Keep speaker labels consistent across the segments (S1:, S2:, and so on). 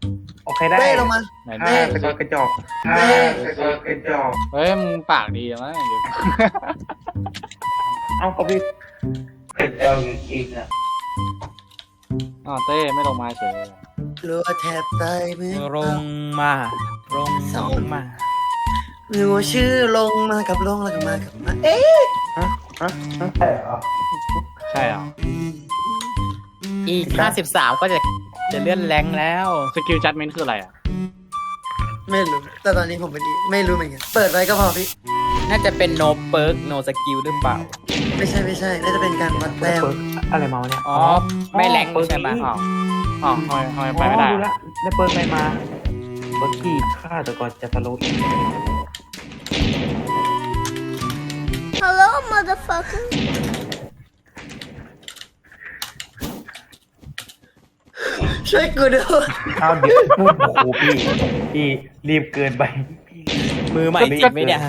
S1: โอเคได้
S2: ลงมา
S3: ไหน
S1: กระจอกกระจอกกระจอก
S3: เฮ้ยมึงปากดีมั้งเดี๋ยว
S1: เอาก็พี่กระจอกอีกนะ
S3: อ๋อเต้ไม่ลงมาเฉย
S2: รัวแทบตายมือ
S4: ลงมาลงมา
S2: มือชื่อลงมากับลงแล้วก็มากับมาเอ๊ะ
S1: ใช่เหรอ
S3: ใช่เหรอ
S4: อีก53ก็จะเลื่อนแรงแล้ว
S3: สกิลจัดเมนต์คืออะไรอ่ะ
S2: ไม่รู้แต่ตอนนี้ผมไม่รู้เหมือนกันเปิดไว้ก็พอพี่
S4: น่าจะเป็น no perk no skill หรือเปล่า
S2: ไม่ใช่น่าจะเป็นการวัดแต้ม
S1: อะไรมาวะเนี่ย
S4: อ๋อ ไม่แรงใช่ไหม
S3: อ๋ออ๋อทำไมไปไม่ได้
S1: ดูละได้เปิดไปมาเปิดขี้ฆ่าแต่ก่อนจะทะลุอีก
S5: Hello, motherfucker.
S2: ช่วยกูด้วย
S1: เอาเดี๋ยวโอ้โหพี่รีบเกินไป
S4: มือใหม่จริงไหมเนี่ย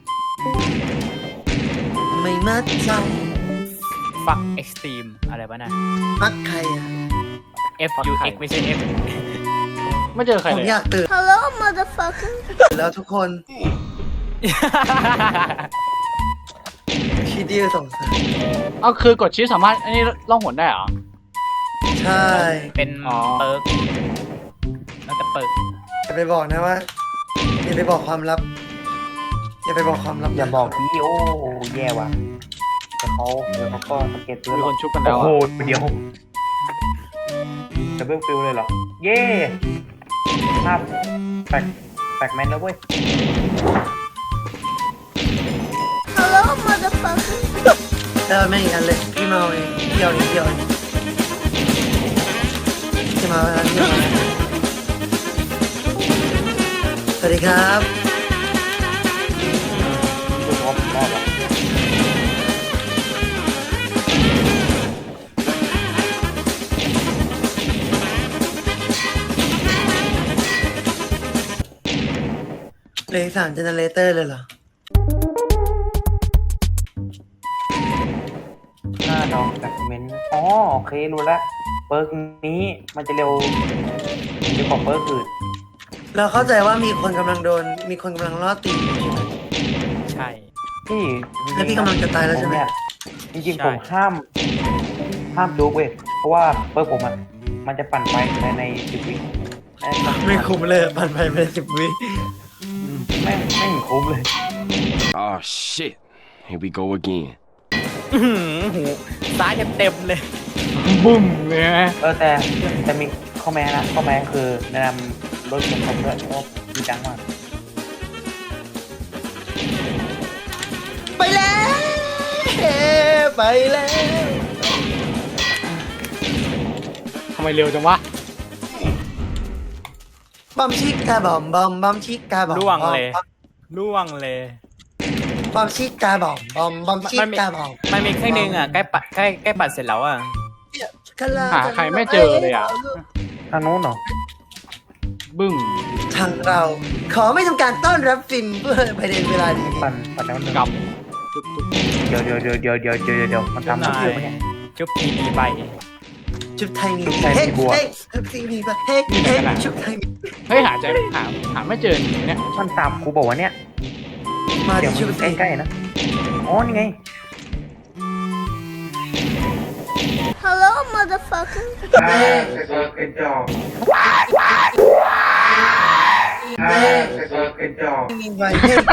S2: ไม่มัดใจ
S4: fuck extreme อะไรวะน่ะ
S2: มักใครอ่ะ
S4: F U X ไม่ใช่ F
S3: ไม่เจอใคร
S2: ผม
S3: เลย
S2: อยากตื่น
S5: Hello, motherfucker.
S2: แล้วทุกคนชีดิวสงสาร
S3: เอาคือกดชิปสามารถอันนี้ล่องหนได้เหรอ
S2: ใช่
S4: เป็น
S3: อ๋อ
S4: เปิร์กแล้วแต่เปิร์ก
S2: อย่าไปบอกนะว่าอย่าไปบอกความลับอย่าไปบอกความลับ
S1: อย่าบอกพี่โอ้แย่ว่ะแต่เขาก็สังเกตตัว
S3: มี
S1: หร
S3: ค
S1: อก
S3: นชุบกันแล้ว
S1: โอ้โห
S3: อะ
S1: เดี๋ยวดับเบิลฟิลเลยเหรอ เย่ภาพแปลกแมนแล้วเว้ย
S5: Hello, motherfucker.
S2: แต่ไม่อีกอันเลยพี่เมาเองเดียวพี่มาแล้วพี่มาสวัสดีครับ
S1: ดูพร้อมรอบอ่ะ
S2: เลย3เจเนเรเตอร์เลยเหรอ
S1: หน้าดอกแบคเมนอ๋อโอเครู้แล้วเปิร์กนี้มันจะเร็วกว่าเปิร์กอื่น
S2: เราเข้าใจว่ามีคนกำลังล่อตีอยู่ใช่ไหม
S4: ใช่
S1: พี่
S2: แล้วพี่กำลังจะตายแล้วใช่ไหม
S1: จริง
S4: ใช่
S1: ๆผมห้ามดูเว้ยเพราะว่าเปิร์กผมมันจะปั่นไปใน10 วิ
S2: ไม่คุ้มเลยปั่นไปเป็น10 วิ
S1: ไม่คุ้มเลย
S6: Oh shit. Here we go again.
S4: หูซ้ายเต็มเลย
S3: บุ้มเลยไหม
S1: แต่มีข้อแม้นะข้อแม้คือแนะนำรถเข็นของด้วยเพราะมีจังมาก
S2: ไปแล้วไปแล้ว
S3: ทำไมเร็วจังวะ
S2: บอมชิกาบอมบอมชิกาบอม
S4: ล่วงเลย
S2: บอมชิกาบอมบอมชิกาบอม
S4: มันมีแค่นึงอ่ะใกล้ปัดเสร็จแล้วอ่ะ
S3: หาใครไม่เจอเลยอ่ะ
S1: ทางโน้นเหรอ
S3: บึ้ง
S2: ทางเราขอไม่ทำการต้อนรับฟินเพื่อภายในเวลานี้
S1: ปั่นแล้วหนึ่ง
S3: กลับ
S1: เดี๋ยวมันทำทุกเรื่องเนี่ย
S4: จุ๊บทีดีไป
S2: ชุดไทยมี
S1: ชุดไทยมีบัว
S2: เฮ้ยชุดไทยมีบัวเฮ้ยชุดไทยมี
S3: เฮ้ยหาไม่เจอเนี่ย
S1: มันตามครูบอกว่าเนี่ย
S2: มา
S1: เดี๋ยว
S2: ที่
S1: มั
S2: ชุด
S1: น
S2: ไทย
S1: ใกล้ๆนะอ๋อนี่ไง
S5: Hello, motherfucker.
S1: กระจอก
S2: มีใบเฮ้ย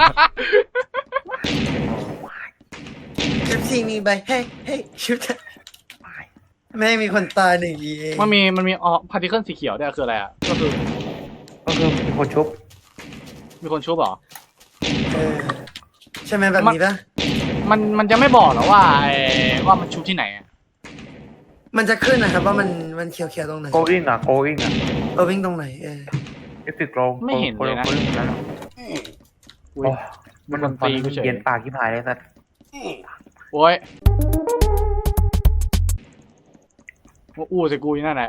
S2: ชุดไทยมีใบเฮ้ยชุดไทยแม่งมีคนตาย1 เอง
S3: มันมีพาร์ติเคิลสีเขียวด้วยคืออะไรอ่ะก็คือ
S1: มีคนชุบ
S3: มีคนชุบเหรอ
S2: ใช่ไหมแบบนี้ปะ
S3: มันจะไม่บอกหรอว่าว่ามันชุบที่ไหนอ่ะ
S2: มันจะขึ้นนะครับว่ามันเขียวๆตรงไหน
S1: โกอิงอ่ะ
S2: เราวิ่งตรงไหน
S1: เอฟติกโกง
S3: ไม่เห็นเลยนะ อุ๊ย
S1: มัน
S3: ตีกูเฉย
S1: เย็นปากที่พายเลยสัตว์
S3: โอ้ยว่าอู้ใส่กูอยู่นั่นแหละ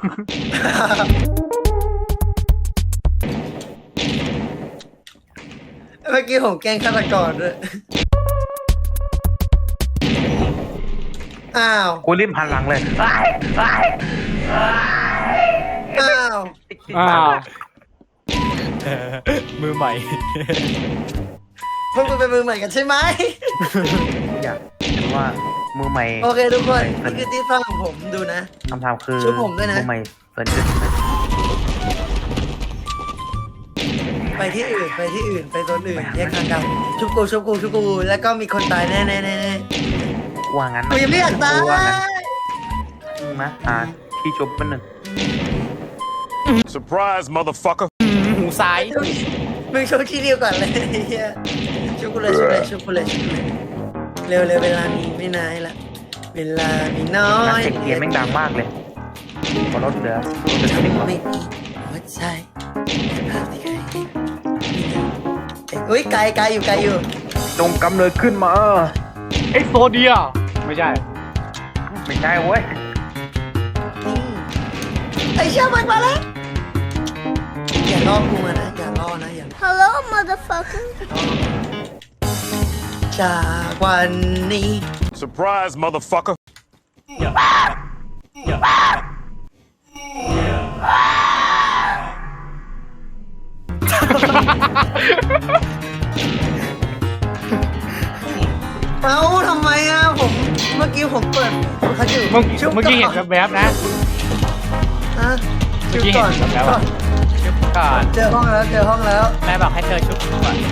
S2: เมื่อกี้ผมแกล้งฆาตกรด้วยอ้าว
S1: กูรีบหันหลังเลย
S2: อ้าว
S3: อ้าว
S4: มือใหม่
S2: พวกคุณเป็นมือใหม่กันใช่ไหม
S1: อยากรู้ว่ามือใหม่
S2: โอเคทุกคนนี่คือที่ฟังของผมดูนะ
S1: คำถามคือ
S2: ช่วยผมด้วยนะ
S1: มือใหม่เปิดขึ้น
S2: ไปที่อื่นไปที่อื่นไปโซนอื่นแยกทางกันชุบกูชุบกูชุบกูแล้วก็มีคนตายแน่แน่แน่แน่
S1: ว่างั้น
S2: กูยังไม่อยากตาย
S1: ว่างั้นมาที่ชุบมันหนึ่ง
S6: Surprise, motherfucker.
S4: หูซ้าย
S2: มึงชุบทีเดียวก่อนเลยไอ้เฮียชุบกูเลยชุบเลยชุบกูเลยชุบเลยเร็วเร็วเวลามีไม่นานละเวลามีน้อ
S1: นัก
S2: ย
S1: เสียงเกียร์แม่งดังมากเลยพอรถเหลือจะไม่หมด
S2: ไม่มีหัวใจภาพที่ใครเห็นอุ้ยไกลไกลอยู่ไกลอยู่
S1: จงกำเนิดขึ้นมา
S3: เอ็กโซเดียไม่ใช่
S1: ไม่ใช่เว้ย
S2: นี่ไอ้เชี่ยมันมาแล้วอย่าล่อกูมานะอย่าล่อนะอย่า
S5: Hello, motherfucker.
S2: จากวันนี้
S6: Surprise, motherfucker.
S2: เอ้าทำไมอ่ะผมเมื่อกี้ผมเปิดเขาอยู่
S3: เมื่อ
S2: ชุบ
S3: เมื่อกี้เห็น
S2: ก่อน
S3: แวบๆนะ
S2: ฮะ
S3: เมื่
S2: ชุ
S3: อบ กี้เห็
S2: ก่อน
S3: นแล้วอะ
S4: ชุบก่อน
S2: เจอห้องแล้วเจอห้องแล้ว
S4: แม่บอกให้เธอชุบก่อน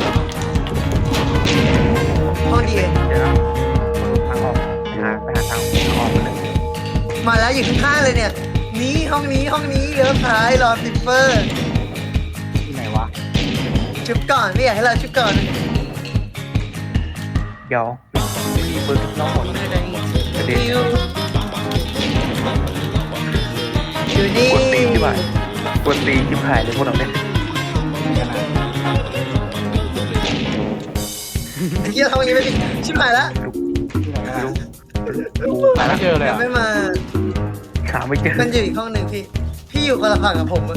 S2: ห้องดี
S1: เดี๋ยวนะทางออกไปหาทางออกมาเลย
S2: มาแล้วอยู่ข้างๆเลยเนี่ยนี่ห้องนี้ห้องนี้เลี้ยวซ้ายรอซิปเปอร์
S3: ที่ไหนวะ
S2: ชุบก่อนไม่อยากให้เราชุบก่อน
S1: เดี๋ยวมีเบอร์ทุกน้องหมดกระเด็น
S2: อยู่นี่
S1: กดตีนที่บ่ายกดตีนที่ผ่ายเลยพวกเราเนี่ย
S2: ไอ้เหี้ยทำอย่างนี้ไปดิชิบหายแล้ว
S3: หาไม่เจอเลย
S2: ยัง
S3: อ่ะ
S2: ไม่มา
S1: หาไม่เจอ
S2: มันอยู่อีกห้องหนึ่งพี่อยู่คนละฝั่งกับผมอะ
S3: อ๋อเหรอ
S2: ใช่
S1: เ